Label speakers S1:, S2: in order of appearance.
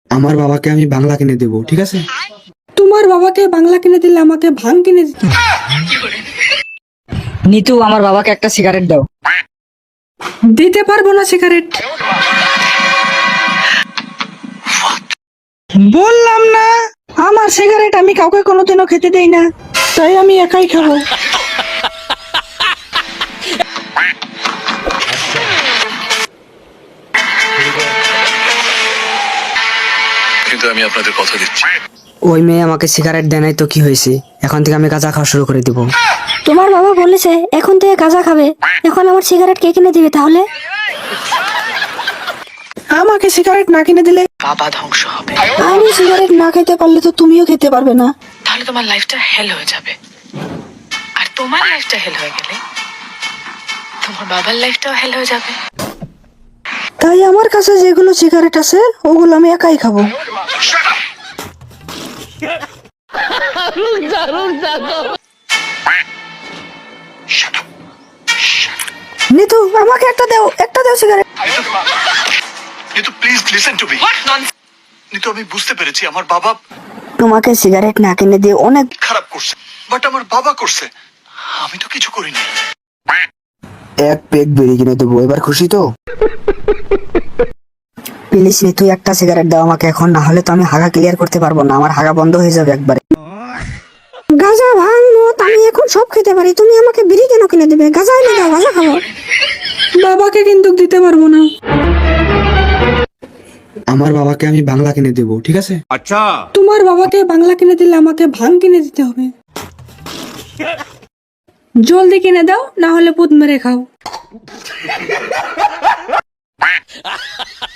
S1: আমার বাবাকে আমি বাংলা কিনে দেবো, ঠিক আছে?
S2: তোমার বাবাকে বাংলা কিনে দিলে আমাকে ভাং কিনে দিতে হবে।
S3: নিতু, আমার বাবাকে একটা সিগারেট দাও।
S2: দিতে পারবো না সিগারেট। বললাম না আমার সিগারেট আমি কাউকে কোনোদিনও খেতে দেই না, তাই আমি একাই খাবো।
S4: কিন্তু আমি আপনাদের কথা দিচ্ছি,
S3: ওই মেয়ে আমাকে সিগারেট দেয় নাই তো কি হয়েছে? এখন থেকে আমি গাঁজা খাওয়া শুরু করে দিব।
S5: তোমার বাবা বলেছে এখন থেকে গাঁজা খাবে, এখন আমার সিগারেট কে কিনে দিবে তাহলে?
S2: আমাকে সিগারেট না কিনে দিলে
S6: বাবা ধ্বংস হবে,
S2: আমি সিগারেট না খেতে পারলে তো তুমিও খেতে পারবে না।
S6: তাহলে তোমার লাইফটা হেল হয়ে যাবে। আর তোমার লাইফটা হেল হয়ে গেলে তোমার বাবার লাইফটাও হেল হয়ে যাবে।
S2: তাই আমার কাছে যেগুলো সিগারেট আছে ওগুলো আমি একাই খাবো। নিতু আমাকে একটা দাও cigarette.
S4: Nitu please listen to me. Nitu আমি বুঝতে পেরেছি আমার বাবা
S2: তোমাকে সিগারেট না কিনে দিয়ে অনেক
S4: খারাপ করছে, বাট আমার বাবা করছে, আমি তো কিছু করিনি।
S1: এক পেক বেরি কিনে দেবো, এবার খুশি তো?
S3: প্লিজ নিতু, একটা সিগারেট দাও আমাকে এখন, না হলে তো আমি হাগা ক্লিয়ার করতে পারবো না, আমার হাগা বন্ধ হয়ে যাবে একবারে।
S5: গাঁজা ভাঙ মদ আমি এখন সব খেতে পারি, তুমি আমাকে বিড়ি কেন কিনে দেবে? গাঁজা এনে দাও, গাঁজা খাবো।
S2: বাবাকে কিন্তু দিতে পারবো না।
S1: আমার বাবাকে আমি বাংলা কিনে দেবো, ঠিক আছে?
S2: তোমার বাবাকে বাংলা কিনে দিলে আমাকে ভাং কিনে দিতে হবে। জলদি কিনে দাও, না হলে পুত মেরে খাও।